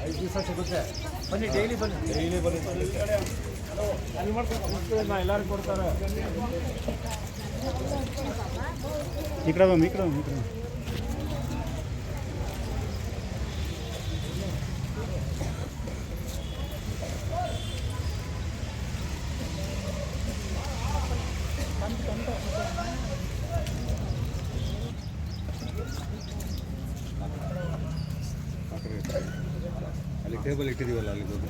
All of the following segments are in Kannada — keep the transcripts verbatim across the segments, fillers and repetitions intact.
ಐದು ದಿವಸ ಸಿಗುತ್ತೆ. ಬನ್ನಿ, ಡೈಲಿ ಬನ್ನಿ, ಡೈಲಿ ಬನ್ನಿ. ಅಲ್ಲಿ ಮಾಡ್ಕೊಂಡು ಎಲ್ಲರೂ ಕೊಡ್ತಾರೆ. ಈ ಕಡೆ ಬಮ್ಮ, ಈ ಕಡೆ ಬಮ್ಮ, ಈ ಕಡೆ ಅಲ್ಲಿ ಟೇಬಲ್ ಇಟ್ಟಿದ್ದೀವಲ್ಲ ಅಲ್ಲಿ ಹೋಗಿ.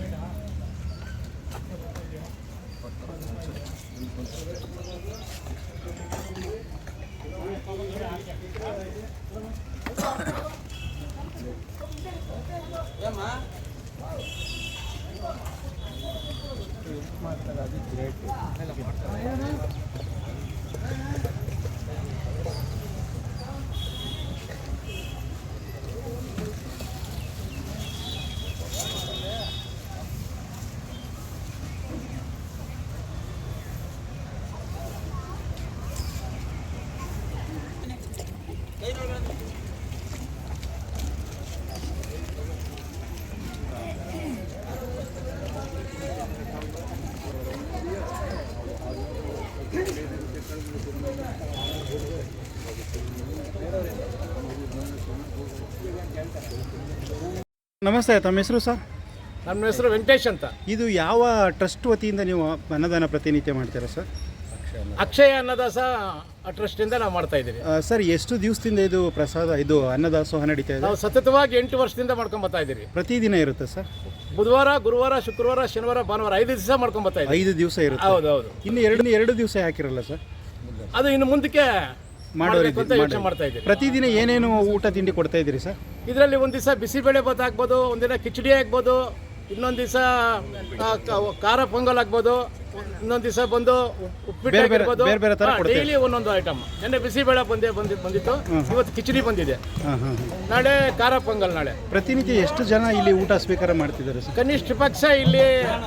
ನಮಸ್ತೆ, ತಮ್ಮ ಹೆಸರು ಸರ್? ನಮ್ಮ ಹೆಸರು ವೆಂಕಟೇಶ್ ಅಂತ. ಇದು ಯಾವ ಟ್ರಸ್ಟ್ ವತಿಯಿಂದ ನೀವು ಅನ್ನದಾನ ಪ್ರತಿನಿತ್ಯ ಮಾಡ್ತೀರಾ ಸರ್? ಅಕ್ಷಯ ಅನ್ನದಾಸ ಟ್ರಸ್ಟಿಂದ ನಾವು ಮಾಡ್ತಾ ಇದ್ದೀವಿ ಸರ್. ಎಷ್ಟು ದಿವಸದಿಂದ ಇದು ಪ್ರಸಾದ ಇದು ಅನ್ನದಾಸೋಹ ನಡೀತಾ ಇದೆ? ನಾವು ಸತತವಾಗಿ ಎಂಟು ವರ್ಷದಿಂದ ಮಾಡ್ಕೊಂಡ್ ಬರ್ತಾ ಇದ್ದೀವಿ. ಪ್ರತಿದಿನ ಇರುತ್ತೆ ಸರ್? ಬುಧವಾರ, ಗುರುವಾರ, ಶುಕ್ರವಾರ, ಶನಿವಾರ, ಭಾನುವಾರ ಐದು ದಿವಸ ಮಾಡ್ಕೊಂಡ್ ಬರ್ತಾ ಇದ್ದೀವಿ. ಐದು ದಿವಸ ಇರುತ್ತೆ. ಹೌದು ಹೌದು. ಇನ್ನು ಎರಡು ಎರಡು ದಿವಸ ಹಾಕಿರಲ್ಲ ಸರ್? ಅದು ಇನ್ನು ಮುಂದಕ್ಕೆ ಮಾಡೋರಿಗೆ ಅಂತ ಯೋಚನೆ ಮಾಡ್ತಾ ಇದ್ದೀವಿ. ಪ್ರತಿದಿನ ಏನೇನು ಊಟ ತಿಂಡಿ ಕೊಡ್ತಾ ಇದ್ದೀರಿ ಸರ್? ಇದರಲ್ಲಿ ಒಂದು ದಿವಸ ಬಿಸಿಬೇಳೆ ಭಾತ್ ಆಗ್ಬೋದು, ಒಂದಿನ ಕಿಚಡಿ ಆಗ್ಬೋದು, ಇನ್ನೊಂದು ದಿವಸ ಖಾರ ಪೊಂಗಲ್ ಆಗ್ಬೋದು, ಇನ್ನೊಂದು ದಿವಸ ಬಂದು ಉಪ್ಪಿಟ್ಟು ಆಗಿರ್ಬೋದು. ಡೈಲಿ ಒಂದೊಂದು ಐಟಮ್. ನೆನ್ನೆ ಬಿಸಿಬೇಳೆ ಬಂದೇ ಬಂದಿ ಬಂದಿತ್ತು, ಇವತ್ತು ಕಿಚಡಿ ಬಂದಿದೆ, ನಾಳೆ ಖಾರ ಪೊಂಗಲ್. ನಾಳೆ ಪ್ರತಿನಿತ್ಯ ಎಷ್ಟು ಜನ ಇಲ್ಲಿ ಊಟ ಸ್ವೀಕಾರ ಮಾಡ್ತಿದ್ದಾರೆ ಸರ್? ಕನಿಷ್ಠ ಪಕ್ಷ ಇಲ್ಲಿ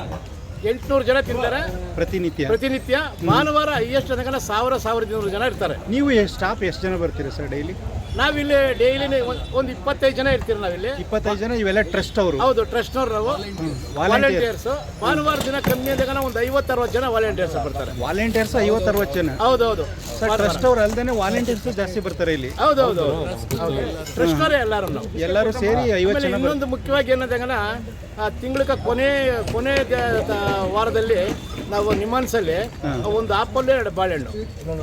ಎಂಟುನೂರು ಜನ ತಿಂತಾರೆ ಪ್ರತಿನಿತ್ಯ. ಪ್ರತಿನಿತ್ಯ ಭಾನುವಾರ ಹೈಯೆಸ್ಟ್ ತನಕ ಸಾವಿರ ಸಾವಿರದ ಇನ್ನೂರು ಜನ ಇರ್ತಾರೆ. ನೀವು ಸ್ಟಾಫ್ ಎಷ್ಟು ಜನ ಬರ್ತೀರಾ ಸರ್ ಡೈಲಿ? ನಾವಿಲ್ಲಿ ಡೈಲಿ ಒಂದು ಇಪ್ಪತ್ತೈದು ಜನ ಇರ್ತೀವಿ ನಾವಿಲ್ಲಿ. ಇಪ್ಪತ್ತೈದು ಜನ ಇವೆಲ್ಲ ಟ್ರಸ್ಟ್ ಅವರು? ಹೌದು, ಟ್ರಸ್ಟ್ನವ್ರು ನಾವು. ವಾಲಂಟಿಯರ್ಸ್ ಭಾನುವಾರ ದಿನ ಕಮ್ಮಿ ಅಂದಾಗ ಒಂದು ಐವತ್ತು ಅರವತ್ತು ಜನ ವಾಲಂಟಿಯರ್ಸ್ ಬರ್ತಾರೆ. ವಾಲಂಟಿಯರ್ಸ್ ಐವತ್ತು ಅರವತ್ತು ಜನ? ಹೌದೌದು. ಟ್ರಸ್ಟ್ ಅವ್ರು ಅಲ್ದೇನೆ ವಾಲಂಟಿಯರ್ಸ್ ಜಾಸ್ತಿ ಬರ್ತಾರೆ ಇಲ್ಲಿ? ಹೌದೌದು, ಟ್ರಸ್ಟ್ನವರೇ ಎಲ್ಲರೂ ನಾವು ಎಲ್ಲರೂ ಸೇರಿ ಐವತ್ತು ಜನ. ಇನ್ನೊಂದು ಮುಖ್ಯವಾಗಿ ಏನಂದಾಗ ತಿಂಗಳ ಕೊನೆ ಕೊನೆ ವಾರದಲ್ಲಿ ನಾವು ನಿಮಾನ್ಸಲ್ಲಿ ಒಂದು ಆಪಲ್ ಎರಡು ಬಾಳೆಹಣ್ಣು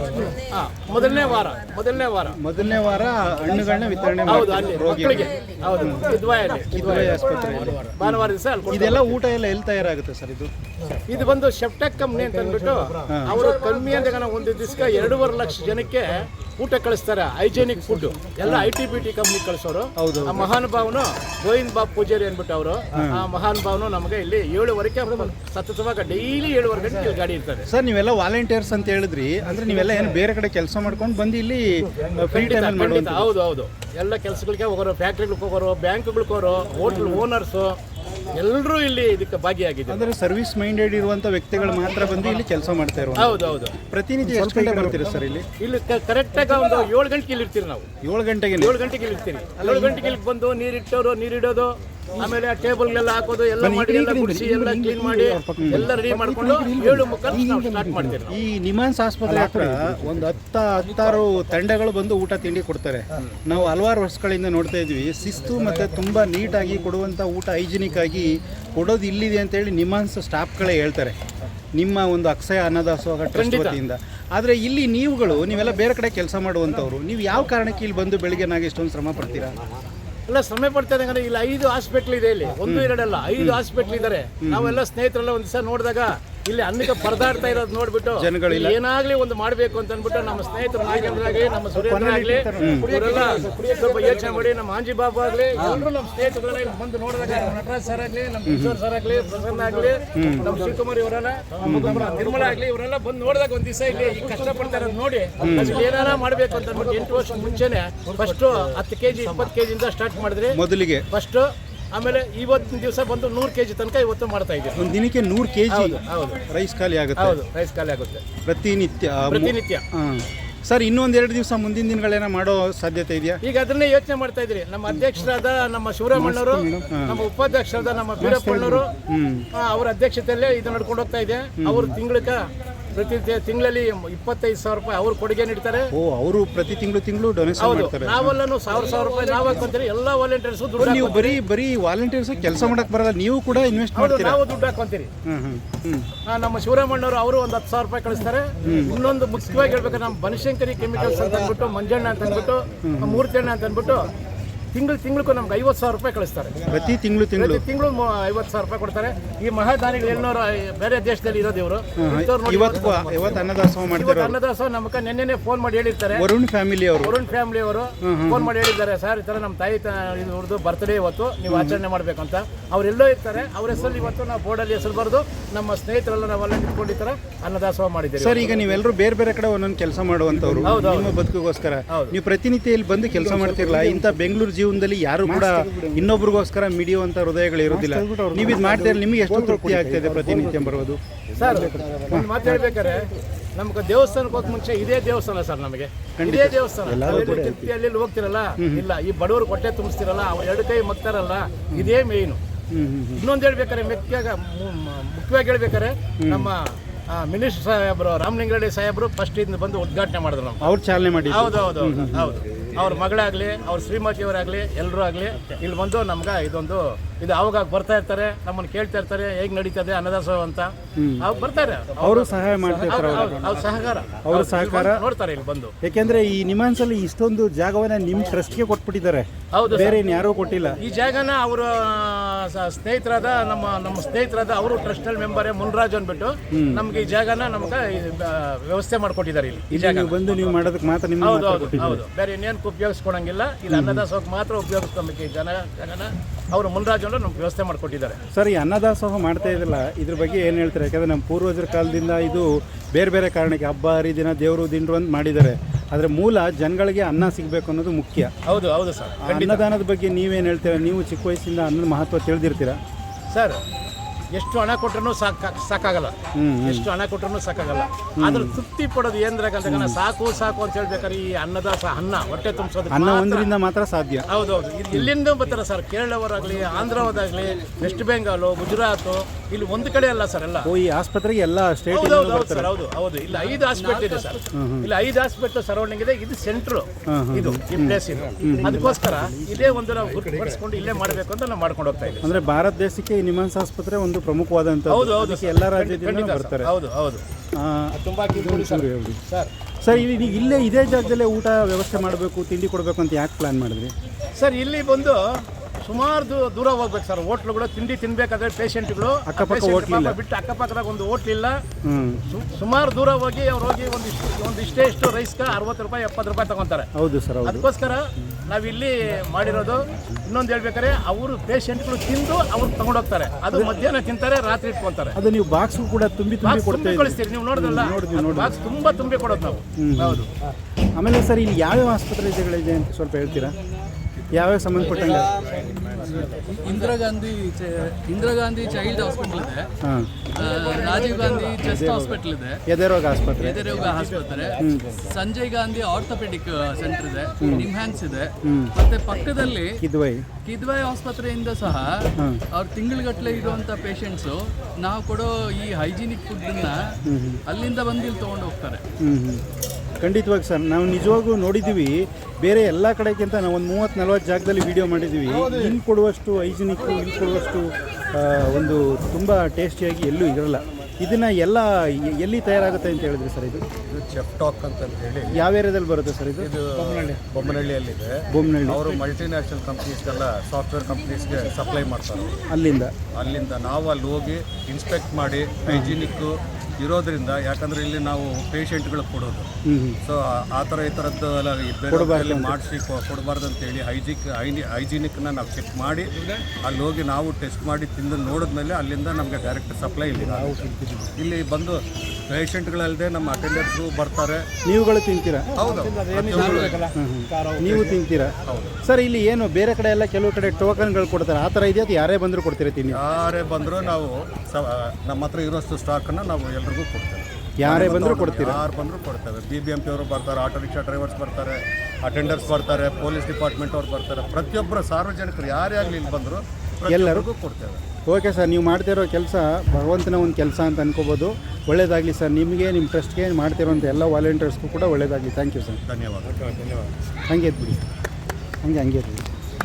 ಹಾ ಮೊದಲನೇ ವಾರ ಮೊದಲನೇ ವಾರ ಮೊದಲನೇ ವಾರ ಹಣ್ಣುಗಳನ್ನ ವಿತರಣೆ ಹೌದು ಅಲ್ಲಿ ಮಕ್ಕಳಿಗೆ. ಹೌದು, ಕಿದ್ವಾಯಲ್ಲಿ ಕಿದ್ವಾಯಿ ಆಸ್ಪತ್ರೆಯಲ್ಲಿ ಭಾನುವಾರ ದಿವಸ ಅಲ್ಲಿ. ಇದೆಲ್ಲ ಊಟ ಎಲ್ಲ ಎಲ್ಲಿ ತಯಾರಾಗುತ್ತೆ ಸರ್? ಇದು ಇದು ಬಂದು ಶೆಫ್ಟೆಕ್ ಕಂಪ್ನಿ ಅಂತ ಅಂದ್ಬಿಟ್ಟು ಅವರು ಕಮ್ಮಿ ಅಂದಾಗ ಒಂದು ದಿವಸಕ್ಕೆ ಎರಡೂವರೆ ಲಕ್ಷ ಜನಕ್ಕೆ ಊಟ ಕಳಿಸ್ತಾರೆ. ಹೈಜೆನಿಕ್ ಫುಡ್ ಎಲ್ಲ I T B T company ಕಳಿಸೋರು. ಆ ಮಹಾನ್ ಭಾವನು ಗೋವಿಂದ್ ಬಾಬು ಪೂಜಾರಿ ಅಂದ್ಬಿಟ್ಟು ಅವರು, ಆ ಮಹಾನ್ ಭಾವನು ನಮಗೆ ಇಲ್ಲಿ ಏಳುವರೆಗೆ ಸತತವಾಗಿ ಡೈಲಿ ಏಳುವರೆ ಗಂಟೆ ಗಾಡಿ ಇರ್ತಾರೆ. ಸರ್ ನೀವೆಲ್ಲ ವಾಲಂಟಿಯರ್ಸ್ ಅಂತ ಹೇಳಿದ್ರಿ, ಅಂದ್ರೆ ನೀವೆಲ್ಲ ಏನು ಬೇರೆ ಕಡೆ ಕೆಲಸ ಮಾಡ್ಕೊಂಡು ಬಂದು ಇಲ್ಲಿ ಫ್ರೀ ಟೈಮಲ್ಲಿ ಮಾಡೋದು? ಹೌದು ಹೌದು. ಎಲ್ಲ ಕೆಲಸಗಳಿಗೆ ಹೋಗೋರು, ಫ್ಯಾಕ್ಟ್ರಿಗಳಿಗೆ ಹೋಗೋರು, ಬ್ಯಾಂಕ್ಗಳಿಗೆ ಹೋಗೋರು, ಹೋಟ್ಲ್ ಓನರ್ಸು ಎಲ್ಲರೂ ಇಲ್ಲಿ ಇದಕ್ಕೆ ಭಾಗಿಯಾಗಿದೆ. ಅಂದ್ರೆ ಸರ್ವಿಸ್ ಮೈಂಡೆಡ್ ಇರುವಂತ ವ್ಯಕ್ತಿಗಳು ಮಾತ್ರ ಬಂದು ಇಲ್ಲಿ ಕೆಲಸ ಮಾಡ್ತಾ ಇರೋದು? ಹೌದು ಹೌದು. ಪ್ರತಿನಿತ್ಯ ಎಷ್ಟು ಗಂಟೆ ಬರ್ತೀರಿ ಸರ್ ಇಲ್ಲಿ? ಇಲ್ಲಿ ಕರೆಕ್ಟ್ ಆಗಿ ಒಂದು ಏಳು ಗಂಟೆಗೆ ಇಲ್ಲಿ ಇರ್ತೀವಿ ನಾವು. ಏಳು ಗಂಟೆಗೆ? ಏಳು ಗಂಟೆಗೆ ಇಲ್ಲಿ ಇರ್ತೀವಿ. ಏಳು ಗಂಟೆಗೆ ಇಲ್ಲಿ ಬಂದು ನೀರಿಟ್ಟವರು ನೀರಿಡೋದು, ಆಮೇಲೆ ಆ ಟೇಬಲ್ಗೆಲ್ಲ ಹಾಕೋದು, ಎಲ್ಲ ಮಾಡಿ ಎಲ್ಲ ಗುಡಿಸಿ ಎಲ್ಲ ಕ್ಲೀನ್ ಮಾಡಿ ಎಲ್ಲ ರೆಡಿ ಮಾಡ್ಕೊಂಡು ಏಳು ಮುಕ್ಕಾಲು ನಾವು ಸ್ಟಾರ್ಟ್ ಮಾಡ್ತೀವಿ. ಈ ನಿಮಾನ್ಸ್ ಆಸ್ಪತ್ರೆ ಹತ್ರ ಒಂದು ಹತ್ತ ಹತ್ತಾರು ತಂಡಗಳು ಬಂದು ಊಟ ತಿಂಡಿ ಕೊಡ್ತಾರೆ. ನಾವು ಹಲವಾರು ವರ್ಷಗಳಿಂದ ನೋಡ್ತಾ ಇದ್ವಿ, ಶಿಸ್ತು ಮತ್ತೆ ತುಂಬಾ ನೀಟಾಗಿ ಕೊಡುವಂತ ಊಟ, ಹೈಜಿನಿಕ್ ಆಗಿ ಕೊಡೋದು ಇಲ್ಲಿದೆ ಅಂತ ಹೇಳಿ ನಿಮಾನ್ಸ್ ಸ್ಟಾಫ್ಗಳೇ ಹೇಳ್ತಾರೆ, ನಿಮ್ಮ ಒಂದು ಅಕ್ಷಯ ಅನ್ನದಾಸೋಹ ಟ್ರಸ್ಟ್ ವತಿಯಿಂದ. ಆದರೆ ಇಲ್ಲಿ ನೀವುಗಳು ನೀವೆಲ್ಲ ಬೇರೆ ಕಡೆ ಕೆಲಸ ಮಾಡುವಂಥವ್ರು, ನೀವು ಯಾವ ಕಾರಣಕ್ಕೆ ಇಲ್ಲಿ ಬಂದು ಬೆಳಿಗ್ಗೆ ನಾಗ ಇಷ್ಟೊಂದು ಶ್ರಮ ಪಡ್ತೀರಾ? ಎಲ್ಲ ಶ್ರಮೆ ಪಡ್ತಾ ಇದ್ದಂಗೆ ಇಲ್ಲಿ ಐದು ಹಾಸ್ಪಿಟ್ಲ್ ಇದೆ. ಇಲ್ಲಿ ಒಂದು ಎರಡಲ್ಲ ಐದು ಹಾಸ್ಪಿಟ್ಲ್ ಇದ್ದಾರೆ. ನಾವೆಲ್ಲ ಸ್ನೇಹಿತರೆಲ್ಲ ಒಂದ್ ದಿವಸ ನೋಡಿದಾಗ ಇಲ್ಲಿ ಅನ್ನಕ್ಕೆ ಪರದಾಡ್ತಾ ಇರೋದು ನೋಡ್ಬಿಟ್ಟು ಜನಗಳು ಏನಾಗ್ಲಿ ಒಂದು ಮಾಡ್ಬೇಕು ಅಂತ ಅಂದ್ಬಿಟ್ಟು ನಮ್ಮ ಸ್ನೇಹಿತರು ನಾಗೇಂದ್ರಾಗ್ಲಿ, ನಮ್ಮ ಸುರೇಂದ್ರ ಆಗ್ಲಿ, ಇವರೆಲ್ಲ ಸ್ವಲ್ಪ ಯೋಚನೆ ಮಾಡಿ, ನಮ್ಮ ಆಂಜಿ ಬಾಬು ಆಗ್ಲಿ, ಎಲ್ಲರೂ ನಮ್ಮ ಸ್ನೇಹಿತರುಗಳನ್ನ ಇಲ್ಲಿ ಬಂದು ನೋಡಿದಾಗ, ನಟರಾಜ್ ಸರ್ ಆಗ್ಲಿ, ನಮ್ಮ ಕಿಶೋರ್ ಸರ್ ಆಗ್ಲಿ, ಪ್ರಸನ್ನ ಆಗ್ಲಿ, ನಮ್ಮ ಶಿವಕುಮಾರ್ ಇವರೆಲ್ಲ, ನಿರ್ಮಲ ಆಗ್ಲಿ, ಇವರೆಲ್ಲ ಬಂದು ನೋಡಿದಾಗ ಒಂದ್ ದಿವಸ ಇಲ್ಲಿ ಕಷ್ಟ ಪಡ್ತಾ ಇರೋದು ನೋಡಿ ಏನಾರ ಮಾಡ್ಬೇಕು ಅಂತ ಅಂದ್ಬಿಟ್ಟು ಎಂಟು ವರ್ಷ ಮುಂಚೆನೆ ಫಸ್ಟ್ ಹತ್ತು ಕೆಜಿ ಇಪ್ಪತ್ತು ಕೆಜಿ ಇಂದ ಸ್ಟಾರ್ಟ್ ಮಾಡಿದ್ರಿ ಮೊದಲಿಗೆ ಫಸ್ಟ್. ಆಮೇಲೆ ಇವತ್ತಿನ ದಿವಸ ಬಂದು ನೂರು ಕೆಜಿ ತನಕ ಇವತ್ತು ಮಾಡ್ತಾ ಇದ್ದೀವಿ. ಒಂದು ದಿನಕ್ಕೆ ನೂರು ಕೆಜಿ? ಹೌದು. ರೈಸ್ ಖಾಲಿ ಆಗುತ್ತೆ? ಹೌದು, ರೈಸ್ ಖಾಲಿ ಆಗುತ್ತೆ ಪ್ರತಿನಿತ್ಯ. ಪ್ರತಿನಿತ್ಯ ಸರ್ ಇನ್ನೊಂದು ಎರಡು ದಿವಸ ಮುಂದಿನ ದಿನಗಳೇನ ಮಾಡೋ ಸಾಧ್ಯತೆ ಇದೆಯಾ? ಈಗ ಅದನ್ನೇ ಯೋಚನೆ ಮಾಡ್ತಾ ಇದ್ರಿ. ನಮ್ಮ ಅಧ್ಯಕ್ಷರಾದ ನಮ್ಮ ಶಿವರಾಮಣ್ಣವರು, ನಮ್ಮ ಉಪಾಧ್ಯಕ್ಷರಾದ ನಮ್ಮ ಬೀರಪ್ಪಣ್ಣವರು ಅವರ ಅಧ್ಯಕ್ಷತೆಯಲ್ಲೇ ಇದು ನಡ್ಕೊಂಡು ಹೋಗ್ತಾ ಇದೆ. ಅವರು ತಿಂಗಳಕ ಪ್ರತಿ ತಿಂಗಳಲ್ಲಿ ಇಪ್ಪತ್ತೈದು ಸಾವಿರ ರೂಪಾಯಿ ಅವ್ರು ಕೊಡುಗೆ ನೀಡ್ತಾರೆ. ಓ, ಅವರು ಪ್ರತಿ ತಿಂಗಳು ತಿಂಗಳು ಡೊನೇಷನ್ ಮಾಡ್ತಾರೆ. ನಾವೆಲ್ಲೂ ಸಾವಿರ ಸಾವಿರ ರೂಪಾಯಿ ನಾವು ಹಾಕೊಂತೀರಿ. ಎಲ್ಲ ವಾಲಂಟಿಯರ್ಸ್ ದುಡ್ಡು. ನೀವು ಬರೀ ಬರೀ ವಾಲಂಟಿಯರ್ಸ್ ಕೆಲಸ ಮಾಡಕ್ ಬರಲ್ಲ, ನೀವು ಕೂಡ ಇನ್ವೆಸ್ಟ್ ಮಾಡ್ತೀರಾ? ನಾವು ದುಡ್ಡು ಹಾಕೊಂತೀರಿ. ನಮ್ಮ ಶಿವರಾಮಣ್ಣವರು ಅವರು ಒಂದು ಹತ್ತು ಸಾವಿರ ರೂಪಾಯಿ ಕಳಿಸ್ತಾರೆ. ಇನ್ನೊಂದು ಮುಖ್ಯವಾಗಿ ಹೇಳ್ಬೇಕು, ನಮ್ಮ ಬನಶಂಕರಿ ಕೆಮಿಕಲ್ಸ್ ಅಂತ ಅಂದ್ಬಿಟ್ಟು, ಮಂಜಣ್ಣ ಅಂತ ಅಂದ್ಬಿಟ್ಟು, ಮೂರ್ತಿಯಣ್ಣ ಅಂತ ಅಂದ್ಬಿಟ್ಟು ತಿಂಗಳು ತಿಂಗಳು ನಮ್ಗೆ ಐವತ್ತು ಸಾವಿರ ರೂಪಾಯಿ ಕಳಿಸ್ತಾರೆ. ಪ್ರತಿ ತಿಂಗಳು ತಿಂಗಳು ಪ್ರತಿ ತಿಂಗಳು ಐವತ್ತು ಸಾವಿರ ರೂಪಾಯಿ ಕೊಡ್ತಾರೆ. ಈ ಮಹಾದಾನಿಗಳು ಎಲ್ಲರೂ ಬೇರೆ ದೇಶದಲ್ಲಿ ಇರೋದು ಇವರು. ಇವತ್ತು ಇವತ್ತು ಅನ್ನದಾಸೋಹ ಮಾಡ್ತಾರೆ. ಅನ್ನದಾಸೋಹ ನಮ್ಗೆ ನೆನ್ನೆನೆ ಫೋನ್ ಮಾಡಿ ಹೇಳಿರ್ತಾರೆ. ವರುಣ್ ಫ್ಯಾಮಿಲಿ ಅವರು ವರುಣ್ ಫ್ಯಾಮಿಲಿ ಅವರು ಫೋನ್ ಮಾಡಿ ಹೇಳಿದ್ದಾರೆ, ಸರ್ ಈ ಥರ ನಮ್ಮ ತಾಯಿ ಇವ್ರದ್ದು ಬರ್ತ್ಡೇ ಇವತ್ತು ನೀವು ಆಚರಣೆ ಮಾಡಬೇಕು ಅಂತ. ಅವರೆಲ್ಲೋ ಇರ್ತಾರೆ. ಅವ್ರ ಹೆಸರು ಇವತ್ತು ನಾವು ಬೋರ್ಡಲ್ಲಿ ಹೆಸರು ಬರೆದು ನಮ್ಮ ಸ್ನೇಹಿತರೆಲ್ಲ ನಾವೆಲ್ಲ ನಿಂತ್ಕೊಂಡಿರ್ತಾರೆ ಅನ್ನದಾಸೋಹ ಮಾಡಿದ್ದೀವಿ. ಸರ್ ಈಗ ನೀವೆಲ್ಲರೂ ಬೇರೆ ಬೇರೆ ಕಡೆ ಒಂದೊಂದು ಕೆಲಸ ಮಾಡುವಂಥವ್ರು, ನಿಮ್ಮ ಬದುಕಿಗೋಸ್ಕರ ನೀವು ಪ್ರತಿನಿತ್ಯ ಇಲ್ಲಿ ಬಂದು ಕೆಲಸ ಮಾಡ್ತಿರಲ್ಲ. ಇಂಥ ಬೆಂಗಳೂರು ಜೀವನದಲ್ಲಿ ಯಾರು ಕೂಡ ಇನ್ನೊಬ್ರಿಗೋಸ್ಕರ ಮಿಡಿಯುವಂತ ಹೃದಯಗಳು ಇರೋದಿಲ್ಲ. ನೀವು ಇದು ಮಾಡ್ತೀರ, ನಿಮಗೆ ಎಷ್ಟು ತೃಪ್ತಿ ಆಗ್ತದೆ ಪ್ರತಿನಿತ್ಯ ಬರೋದು? ಸರ್ ಒಂದು ಮಾತು ಹೇಳ್ಬೇಕಾರೆ, ನಮ್ಗೆ ದೇವಸ್ಥಾನಕ್ಕೆ ಹೋಗಕ್ ಮುಂಚೆ ಇದೇ ದೇವಸ್ಥಾನ ಸರ್. ನಮಗೆ ಇದೇ ದೇವಸ್ಥಾನ. ಅಲ್ಲಿ ಹೋಗ್ತಿರಲ್ಲ, ಇಲ್ಲ ಈ ಬಡವರು ಹೊಟ್ಟೆ ತುಂಬಿಸ್ತಿರಲ್ಲ, ಎರಡು ಕೈ ಮಗ್ತಾರಲ್ಲ, ಇದೇ ಮೇಯ್ನು. ಇನ್ನೊಂದು ಹೇಳ್ಬೇಕಾರೆ ಮುಖ್ಯವಾಗಿ ಮುಖ್ಯವಾಗಿ ಹೇಳ್ಬೇಕಾರೆ, ನಮ್ಮ ಮಿನಿಸ್ಟರ್ ಸಾಹೇಬ್ರು ರಾಮಲಿಂಗಾರೆಡ್ಡಿ ಸಾಹೇಬ್ರು ಫಸ್ಟ್ ಇಂದ ಬಂದು ಉದ್ಘಾಟನೆ ಮಾಡಿದ್ರು. ನಾವು ಅವ್ರು ಚಾಲನೆ ಮಾಡಿ. ಹೌದು ಹೌದು ಹೌದು ಅವ್ರ ಮಗಳಾಗ್ಲಿ ಅವ್ರ ಶ್ರೀಮತಿಯವರಾಗ್ಲಿ ಎಲ್ಲರೂ ಆಗಲಿ ಇಲ್ಲಿ ಬಂದು ನಮ್ಗೆ ಇದೊಂದು ಇದು ಅವಾಗ ಬರ್ತಾ ಇರ್ತಾರೆ, ನಮ್ಮನ್ನು ಕೇಳ್ತಾ ಇರ್ತಾರೆ ಹೇಗೆ ನಡೀತದೆ ಅನ್ನದಾಸೋಹ ಅಂತ. ಅವ್ರು ಬರ್ತಾರೆ, ಅವರು ಸಹಾಯ ಮಾಡ್ತಿರ್ತಾರೆ. ಅವ್ರ ಸಹಕಾರ ಅವ್ರ ಸಹಕಾರ ನೋಡ್ತಾರೆ ಇಲ್ಲಿ ಬಂದು. ಯಾಕೆಂದ್ರೆ ಈ ನಿಮಾನ್ಸಲ್ಲಿ ಇಷ್ಟೊಂದು ಜಾಗವನ್ನ ನಿಮ್ ಟ್ರಸ್ಟ್ಗೆ ಕೊಟ್ಬಿಟ್ಟಿದ್ದಾರೆ. ಹೌದು, ಬೇರೆ ಯಾರೂ ಕೊಟ್ಟಿಲ್ಲ. ಈ ಜಾಗನ ಅವರ ಸ್ನೇಹಿತರಾದ ನಮ್ಮ ನಮ್ಮ ಸ್ನೇಹಿತರಾದ ಅವರು ಟ್ರಸ್ಟಲ್ ಮೆಂಬರೇ ಮುನ್ರಾಜ್ ಅಂದ್ಬಿಟ್ಟು ನಮ್ಗೆ ಈ ಜಾಗನ ನಮ್ಗೆ ವ್ಯವಸ್ಥೆ ಮಾಡ್ಕೊಟ್ಟಿದ್ದಾರೆ. ಇಲ್ಲಿ ಈ ಜಾಗ ಬಂದು ನೀವು ಮಾಡೋದಕ್ಕೆ ಮಾತ್ರ ನಿಮ್ಮ. ಹೌದು ಹೌದು ಹೌದು ಬೇರೆ ಇನ್ನೇನು ಉಪಯೋಗಿಸ್ಕೊಳಂಗಿಲ್ಲ. ಇಲ್ಲಿ ಅನ್ನದಾಸೋಹಕ್ಕೆ ಮಾತ್ರ ಉಪಯೋಗಿಸ್ಕೊಬೇಕು ಈ ಜನ ಜಾಗನ. ಅವರು ಮುನ್ರಾಜ್ ಅವರು ನಮ್ಗೆ ವ್ಯವಸ್ಥೆ ಮಾಡ್ಕೊಟ್ಟಿದ್ದಾರೆ. ಸರ್, ಈ ಅನ್ನದಾಸೋಹ ಮಾಡ್ತಾ ಇದ್ದಿಲ್ಲ, ಇದ್ರ ಬಗ್ಗೆ ಏನು ಹೇಳ್ತಾರೆ? ಯಾಕಂದ್ರೆ ನಮ್ಮ ಪೂರ್ವಜರ ಕಾಲದಿಂದ ಇದು ಬೇರೆ ಬೇರೆ ಕಾರಣಕ್ಕೆ ಹಬ್ಬ ಹರಿದಿನ ದೇವರು ದಿಂಡ್ರು ಅಂತ ಮಾಡಿದ್ದಾರೆ. ಆದರೆ ಮೂಲ ಜನಗಳಿಗೆ ಅನ್ನ ಸಿಗಬೇಕು ಅನ್ನೋದು ಮುಖ್ಯ. ಹೌದು ಹೌದು ಸರ್. ಅನ್ನದಾನದ ಬಗ್ಗೆ ನೀವೇನು ಹೇಳ್ತೀರಾ? ನೀವು ಚಿಕ್ಕ ವಯಸ್ಸಿಂದ ಅನ್ನದ ಮಹತ್ವ ತಿಳಿದಿರ್ತೀರಾ ಸರ್? ಎಷ್ಟು ಹಣ ಕೊಟ್ಟರು ಸಾಕ ಸಾಕಾಗಲ್ಲ ಎಷ್ಟು ಹಣ ಕೊಟ್ಟರು ಸಾಕಾಗಲ್ಲ. ಅದ್ರ ತೃಪ್ತಿ ಪಡೋದು ಏನ್ರಾಗಂತ ಸಾಕು ಸಾಕು ಅಂತ ಹೇಳ್ಬೇಕಾದ್ರೆ ಈ ಅನ್ನದಾಸ ಅನ್ನ ಹೊಟ್ಟೆ ತುಂಬಿಸೋದು ಅನ್ನ ಒಂದರಿಂದ ಮಾತ್ರ ಸಾಧ್ಯ. ಹೌದೌದು. ಇದು ಇಲ್ಲಿಂದ ಬರ್ತಾರೆ ಸರ್, ಕೇರಳವರಾಗಲಿ ಆಂಧ್ರವರಾಗಲಿ ವೆಸ್ಟ್ ಬೆಂಗಾಲು ಗುಜರಾತ್, ಇಲ್ಲಿ ಒಂದು ಕಡೆ ಅಲ್ಲ ಸರ್ ಎಲ್ಲ. ಈ ಆಸ್ಪತ್ರೆಗೆ ಎಲ್ಲ ಸ್ಟೇಟ್. ಹೌದು ಸರ್, ಹೌದು ಹೌದು. ಇಲ್ಲಿ ಐದು ಹಾಸ್ಪಿಟಲ್ ಇದೆ ಸರ್. ಇಲ್ಲಿ ಐದು ಹಾಸ್ಪಿಟಲ್ ಸರೌಂಡಿಂಗ್ ಇದೆ. ಇದು ಸೆಂಟ್ರು, ಇದು ಈ ಪ್ಲೇಸ್ ಇದು. ಅದಕ್ಕೋಸ್ಕರ ಇದೇ ಒಂದು ನಾವು ಗುರುತಿಸ್ಕೊಂಡು ಇಲ್ಲೇ ಮಾಡಬೇಕು ಅಂತ ನಾವು ಮಾಡ್ಕೊಂಡು ಹೋಗ್ತಾ ಇದ್ದೀವಿ. ಅಂದ್ರೆ ಭಾರತ ದೇಶಕ್ಕೆ ಈ ನಿಮಾನ್ಸ್ ಆಸ್ಪತ್ರೆ ಒಂದು ಪ್ರಮುಖವಾದಂತ. ಹೌದು ಹೌದು, ಎಲ್ಲ ರಾಜ್ಯದಿಂದ ಬರ್ತಾರೆ. ಹೌದು ಹೌದು. ತುಂಬಾ ಸರ್ ಸರ್ ಈಗ ಇಲ್ಲೇ ಇದೇ ಜಾಗದಲ್ಲೇ ಊಟ ವ್ಯವಸ್ಥೆ ಮಾಡಬೇಕು, ತಿಂಡಿ ಕೊಡಬೇಕು ಅಂತ ಯಾಕೆ ಪ್ಲಾನ್ ಮಾಡಿದ್ರಿ ಸರ್? ಇಲ್ಲಿ ಬಂದು ಸುಮಾರು ದೂರ ಹೋಗ್ಬೇಕು ಸರ್. ಹೋಟ್ಲುಗಳು ತಿಂಡಿ ತಿನ್ಬೇಕಾದ್ರೆ ಪೇಷಂಟ್ಗಳು ಅಕ್ಕಪಕ್ಕ ಹೋಟ್ಲಿಲ್ಲ ಬಿಟ್ಟು ಅಕ್ಕಪಕ್ಕದಾಗ ಒಂದು ಹೋಟ್ಲ್ ಇಲ್ಲ. ಸುಮಾರು ದೂರ ಹೋಗಿ ಅವ್ರು ಹೋಗಿ ಒಂದಿಷ್ಟು ಒಂದು ಇಷ್ಟೇ ಇಷ್ಟು ರೈಸ್ಗೆ ಅರವತ್ತು ರೂಪಾಯಿ ಎಪ್ಪತ್ತು ರೂಪಾಯಿ ತಗೊಂತಾರೆ. ಹೌದು ಸರ್. ಅದಕ್ಕೋಸ್ಕರ ನಾವಿಲ್ಲಿ ಮಾಡಿರೋದು. ಇನ್ನೊಂದು ಹೇಳ್ಬೇಕಾದ್ರೆ ಅವರು ಪೇಷಂಟ್ಗಳು ತಿಂದು ಅವ್ರು ತಗೊಂಡೋಗ್ತಾರೆ. ಅದು ಮಧ್ಯಾಹ್ನ ತಿಂತಾರೆ, ರಾತ್ರಿ ಇಟ್ಕೊಂತಾರೆ. ಅದು ನೀವು ಬಾಕ್ಸ್ ಕೂಡ ತುಂಬಿ ತುಂಬಿ ಕೊಡ್ತೀವಿ, ಕಳಿಸ್ತೀರಿ. ನೀವು ನೋಡಿದ್ರಲ್ಲ, ಬಾಕ್ಸ್ ತುಂಬಾ ತುಂಬಿ ಕೊಡೋದು ನಾವು. ಹೌದು. ಆಮೇಲೆ ಸರ್ ಇಲ್ಲಿ ಯಾವ್ಯಾವ ಆಸ್ಪತ್ರೆಗಳಿದೆ ಅಂತ ಸ್ವಲ್ಪ ಹೇಳ್ತೀರಾ? ಯಾವ್ಯಾವ ಸಂಬಂಧಪಟ್ಟಂಗೆ? ಇಂದಿರಾ ಗಾಂಧಿ ಇಂದಿರಾ ಗಾಂಧಿ ಚೈಲ್ಡ್ ಹಾಸ್ಪಿಟಲ್ ಇದೆ, ರಾಜೀವ್ ಗಾಂಧಿ ಚೆಸ್ಟ್ ಹಾಸ್ಪಿಟಲ್ ಇದೆ, ಎದೆರೋಗ ಆಸ್ಪತ್ರೆ ಎದೆರೋಗ ಆಸ್ಪತ್ರೆ, ಸಂಜಯ್ ಗಾಂಧಿ ಆರ್ಥೋಪೆಡಿಕ್ ಸೆಂಟರ್ ಇದೆ, ನಿಮ್ಹ್ಯಾನ್ಸ್ ಇದೆ, ಮತ್ತೆ ಪಕ್ಕದಲ್ಲಿ ಕಿದ್ವೈ ಕಿದ್ವಾಯಿ ಆಸ್ಪತ್ರೆಯಿಂದ ಸಹ ಅವ್ರ ತಿಂಗಳಗಟ್ಟಲೆ ಇರುವಂತ ಪೇಷಂಟ್ಸ್ ನಾವು ಕೊಡೋ ಈ ಹೈಜಿನಿಕ್ ಫುಡ್ ಅನ್ನ ಅಲ್ಲಿಂದ ಬಂದು ಇಲ್ಲಿ ತಗೊಂಡು ಹೋಗ್ತಾರೆ. ಖಂಡಿತವಾಗಿ ಸರ್, ನಾವು ನಿಜವಾಗೂ ನೋಡಿದ್ದೀವಿ. ಬೇರೆ ಎಲ್ಲ ಕಡೆಗಿಂತ ನಾವು ಒಂದು ಮೂವತ್ತು ನಲ್ವತ್ತು ಜಾಗದಲ್ಲಿ ವಿಡಿಯೋ ಮಾಡಿದ್ದೀವಿ. ಇಲ್ಲಿ ಕೊಡುವಷ್ಟು ಹೈಜಿನಿಕ್ಕು, ಇಲ್ಲಿ ಕೊಡುವಷ್ಟು ಒಂದು ತುಂಬ ಟೇಸ್ಟಿಯಾಗಿ ಎಲ್ಲೂ ಇರಲ್ಲ. ಇದನ್ನು ಎಲ್ಲ ಎಲ್ಲಿ ತಯಾರಾಗುತ್ತೆ ಅಂತ ಹೇಳಿದ್ರಿ ಸರ್? ಇದು ಇದು ಚೆಫ್ ಟಾಕ್ ಅಂತ ಹೇಳಿ ಯಾವ ಏರಿಯಾದಲ್ಲಿ ಬರುತ್ತೆ ಸರ್? ಇದು ಇದು ಬೊಮ್ಮನಹಳ್ಳಿಯಲ್ಲಿದೆ. ಬೊಮ್ಮನಹಳ್ಳಿ ಅವರು ಮಲ್ಟಿನ್ಯಾಷನಲ್ ಕಂಪ್ನೀಸ್ಗೆಲ್ಲ ಸಾಫ್ಟ್ವೇರ್ ಕಂಪ್ನೀಸ್ಗೆ ಸಪ್ಲೈ ಮಾಡ್ತಾರೆ. ಅಲ್ಲಿಂದ ಅಲ್ಲಿಂದ ನಾವು ಅಲ್ಲಿ ಹೋಗಿ ಇನ್ಸ್ಪೆಕ್ಟ್ ಮಾಡಿ ಹೈಜಿನಿಕ್ನ ಇರೋದ್ರಿಂದ, ಯಾಕಂದರೆ ಇಲ್ಲಿ ನಾವು ಪೇಷಂಟ್ಗಳು ಕೊಡೋದು. ಸೊ ಆ ಥರ ಈ ಥರದ್ದು ಬೇರೆ ಮಾಡಿಸಿ ಕೊಡಬಾರ್ದು ಅಂತೇಳಿ ಹೈಜಿಕ್ ಹೈಜಿನಿಕ್ನ ನಾವು ಚೆಕ್ ಮಾಡಿ ಅಲ್ಲಿ ಹೋಗಿ ನಾವು ಟೆಸ್ಟ್ ಮಾಡಿ ತಿಂದು ನೋಡಿದ್ಮೇಲೆ ಅಲ್ಲಿಂದ ನಮಗೆ ಡೈರೆಕ್ಟ್ ಸಪ್ಲೈ ಇಲ್ಲಿ ಇಲ್ಲಿ ಬಂದು ಪೇಷಂಟ್ಗಳಲ್ಲದೆ ನಮ್ಮ ಅಟೆಂಡರ್ಸು ಬರ್ತಾರೆ. ನೀವುಗಳು ತಿಂತೀರಾ? ಹೌದು, ನೀವು ತಿಂತೀರಾ ಸರ್? ಇಲ್ಲಿ ಏನು ಬೇರೆ ಕಡೆ ಎಲ್ಲ ಕೆಲವು ಕಡೆ ಟೋಕನ್ಗಳು ಕೊಡ್ತಾರೆ, ಆ ಥರ ಇದೆಯಾ? ಅದು ಯಾರೇ ಬಂದರೂ ಕೊಡ್ತೀರಾ? ತಿನ್ನಿ ಯಾರೇ ಬಂದರೂ ನಾವು ನಮ್ಮ ಹತ್ರ ಇರೋಷ್ಟು ಸ್ಟಾಕನ್ನು ನಾವು ಎಲ್ರಿಗೂ ಕೊಡ್ತೇವೆ. ಯಾರೇ ಬಂದರೂ ಕೊಡ್ತೀರಾ? ಯಾರು ಬಂದರೂ ಕೊಡ್ತೇವೆ. ಬಿ ಬಿ ಎಂ ಪಿ ಅವರು ಬರ್ತಾರೆ, ಆಟೋ ರಿಕ್ಷಾ ಡ್ರೈವರ್ಸ್ ಬರ್ತಾರೆ, ಅಟೆಂಡರ್ಸ್ ಬರ್ತಾರೆ, ಪೊಲೀಸ್ ಡಿಪಾರ್ಟ್ಮೆಂಟ್ ಅವ್ರು ಬರ್ತಾರೆ. ಪ್ರತಿಯೊಬ್ಬರು ಸಾರ್ವಜನಿಕರು ಯಾರೇ ಆಗಲಿ ಇಲ್ಲಿ ಬಂದರೂ ಎಲ್ಲರಿಗೂ ಕೊಡ್ತೇವೆ. ಓಕೆ ಸರ್, ನೀವು ಮಾಡ್ತಿರೋ ಕೆಲಸ ಭಗವಂತನ ಒಂದು ಕೆಲಸ ಅಂತ ಅನ್ಕೋಬೋದು. ಒಳ್ಳೇದಾಗಲಿ ಸರ್, ನಿಮಗೆ ನಿಮ್ಮ ಟ್ರಸ್ಟ್ಗೆ ಮಾಡ್ತಿರೋಂಥ ಎಲ್ಲ ವಾಲಂಟಿಯರ್ಸ್ಗೂ ಕೂಡ ಒಳ್ಳೇದಾಗಲಿ. Thank you sir. ಧನ್ಯವಾದ. ಧನ್ಯವಾದ. ಹಂಗೆ ಬಿಡಿ, ಹಂಗೆ ಹಂಗೆ ಇರಲಿ.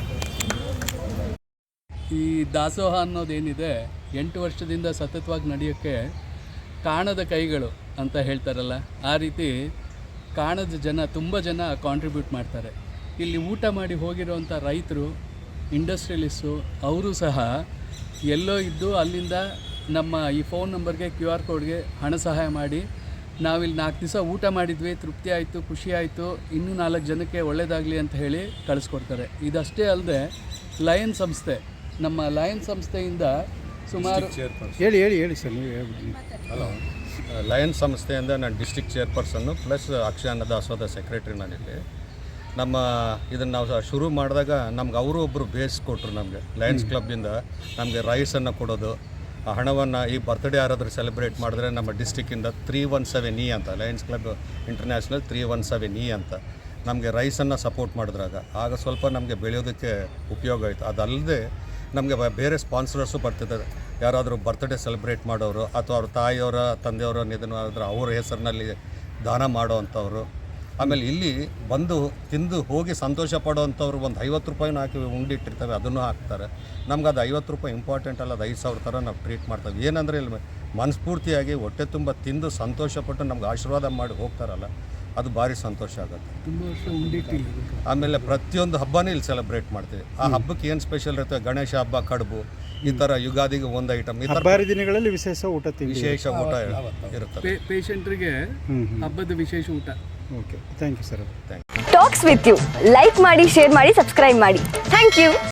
ಈ ದಾಸೋಹ ಅನ್ನೋದೇನಿದೆ ಎಂಟು ವರ್ಷದಿಂದ ಸತತವಾಗಿ ನಡೆಯೋಕ್ಕೆ ಕಾಣದ ಕೈಗಳು ಅಂತ ಹೇಳ್ತಾರಲ್ಲ, ಆ ರೀತಿ ಕಾಣದ ಜನ ತುಂಬ ಜನ ಕಾಂಟ್ರಿಬ್ಯೂಟ್ ಮಾಡ್ತಾರೆ. ಇಲ್ಲಿ ಊಟ ಮಾಡಿ ಹೋಗಿರೋವಂಥ ರೈತರು, ಇಂಡಸ್ಟ್ರಿಯಲಿಸ್ಟು ಅವರು ಸಹ ಎಲ್ಲೋ ಇದ್ದು ಅಲ್ಲಿಂದ ನಮ್ಮ ಈ ಫೋನ್ ನಂಬರ್ಗೆ ಕ್ಯೂ ಆರ್ ಕೋಡ್ಗೆ ಹಣ ಸಹಾಯ ಮಾಡಿ ನಾವಿಲ್ಲಿ ನಾಲ್ಕು ದಿವಸ ಊಟ ಮಾಡಿದ್ವಿ, ತೃಪ್ತಿ ಆಯಿತು, ಖುಷಿ ಆಯಿತು, ಇನ್ನೂ ನಾಲ್ಕು ಜನಕ್ಕೆ ಒಳ್ಳೆಯದಾಗಲಿ ಅಂತ ಹೇಳಿ ಕಳಿಸ್ಕೊಡ್ತಾರೆ. ಇದಷ್ಟೇ ಅಲ್ಲದೆ ಲಯನ್ ಸಂಸ್ಥೆ, ನಮ್ಮ ಲಯನ್ ಸಂಸ್ಥೆಯಿಂದ ಸುಮಾರು ಹೇಳಿ ಹೇಳಿ ಹೇಳಿ ಸರ್, ನೀವು ಹೇಳ್ಬಿಡಿ. ಹಲೋ, ಲಯನ್ ಸಂಸ್ಥೆಯಿಂದ ನಾನು ಡಿಸ್ಟ್ರಿಕ್ಟ್ ಚೇರ್ಪರ್ಸನ್ನು ಪ್ಲಸ್ ಅಕ್ಷಯ ಅನ್ನದಾಸೋಹದ ಸೆಕ್ರೆಟ್ರಿ ನಾನಿಲ್ಲಿ. ನಮ್ಮ ಇದನ್ನು ನಾವು ಶುರು ಮಾಡಿದಾಗ ನಮ್ಗೆ ಅವರು ಒಬ್ಬರು ಬೇಸ್ ಕೊಟ್ಟರು ನಮಗೆ. ಲಯನ್ಸ್ ಕ್ಲಬ್ಬಿಂದ ನಮಗೆ ರೈಸನ್ನು ಕೊಡೋದು, ಆ ಹಣವನ್ನು ಈ ಬರ್ತ್ಡೇ ಯಾರಾದರೂ ಸೆಲೆಬ್ರೇಟ್ ಮಾಡಿದ್ರೆ ನಮ್ಮ ಡಿಸ್ಟಿಕ್ಕಿಂದ ತ್ರೀ ಒನ್ ಸೆವೆನ್ ಇ ಅಂತ, lions club international three one seven E ಅಂತ ನಮಗೆ ರೈಸನ್ನು ಸಪೋರ್ಟ್ ಮಾಡಿದ್ರಾಗ ಆಗ ಸ್ವಲ್ಪ ನಮಗೆ ಬೆಳೆಯೋದಕ್ಕೆ ಉಪಯೋಗ ಆಯಿತು. ಅದಲ್ಲದೆ ನಮಗೆ ಬೇರೆ ಸ್ಪಾನ್ಸರರ್ಸು ಬರ್ತಿದ್ದಾರೆ. ಯಾರಾದರೂ ಬರ್ತ್ಡೇ ಸೆಲೆಬ್ರೇಟ್ ಮಾಡೋರು ಅಥವಾ ಅವ್ರ ತಾಯಿಯವರ ತಂದೆಯವರ ನಿಧನ ಆದ್ರೆ ಅವ್ರ ಹೆಸರಿನಲ್ಲಿ ದಾನ ಮಾಡೋವಂಥವ್ರು, ಆಮೇಲೆ ಇಲ್ಲಿ ಬಂದು ತಿಂದು ಹೋಗಿ ಸಂತೋಷ ಪಡೋವಂಥವ್ರು ಒಂದು ಐವತ್ತು ರೂಪಾಯಿನೂ ಹಾಕಿ ಉಂಡಿಟ್ಟಿರ್ತವೆ, ಅದನ್ನು ಹಾಕ್ತಾರೆ. ನಮ್ಗೆ ಅದು ಐವತ್ತು ರೂಪಾಯಿ ಇಂಪಾರ್ಟೆಂಟ್ ಅಲ್ಲ, ಅದು ಐದು ಸಾವಿರ ಥರ ನಾವು ಟ್ರೀಟ್ ಮಾಡ್ತೇವೆ. ಏನಂದರೆ ಇಲ್ಲಿ ಮನಸ್ಫೂರ್ತಿಯಾಗಿ ಹೊಟ್ಟೆ ತುಂಬ ತಿಂದು ಸಂತೋಷಪಟ್ಟು ನಮ್ಗೆ ಆಶೀರ್ವಾದ ಮಾಡಿ ಹೋಗ್ತಾರಲ್ಲ, ಅದು ಭಾರಿ ಸಂತೋಷ ಆಗುತ್ತೆ. ತುಂಬ ವರ್ಷ ಉಂಡಿಟ್ಟಿಲ್ಲ. ಆಮೇಲೆ ಪ್ರತಿಯೊಂದು ಹಬ್ಬನೇ ಇಲ್ಲಿ ಸೆಲೆಬ್ರೇಟ್ ಮಾಡ್ತೀವಿ. ಆ ಹಬ್ಬಕ್ಕೆ ಏನು ಸ್ಪೆಷಲ್ ಇರುತ್ತೆ, ಗಣೇಶ ಹಬ್ಬ, ಕಡುಬು, ಈ ಥರ ಯುಗಾದಿಗೆ ಒಂದು ಐಟಮ್, ಈ ಥರ ಹಬ್ಬಾರಿ ದಿನಗಳಲ್ಲಿ ವಿಶೇಷ ಊಟ ತಿಂಡಿ, ವಿಶೇಷ ಊಟ ಇರುತ್ತೆ. ಪೇಷಂಟ್ರಿಗೆ ಹಬ್ಬದ ವಿಶೇಷ ಊಟ. Okay, thank you sir. Thank you. Talks with you like ಮಾಡಿ, ಶೇರ್ ಮಾಡಿ, ಸಬ್ಸ್ಕ್ರೈಬ್ ಮಾಡಿ. Thank you.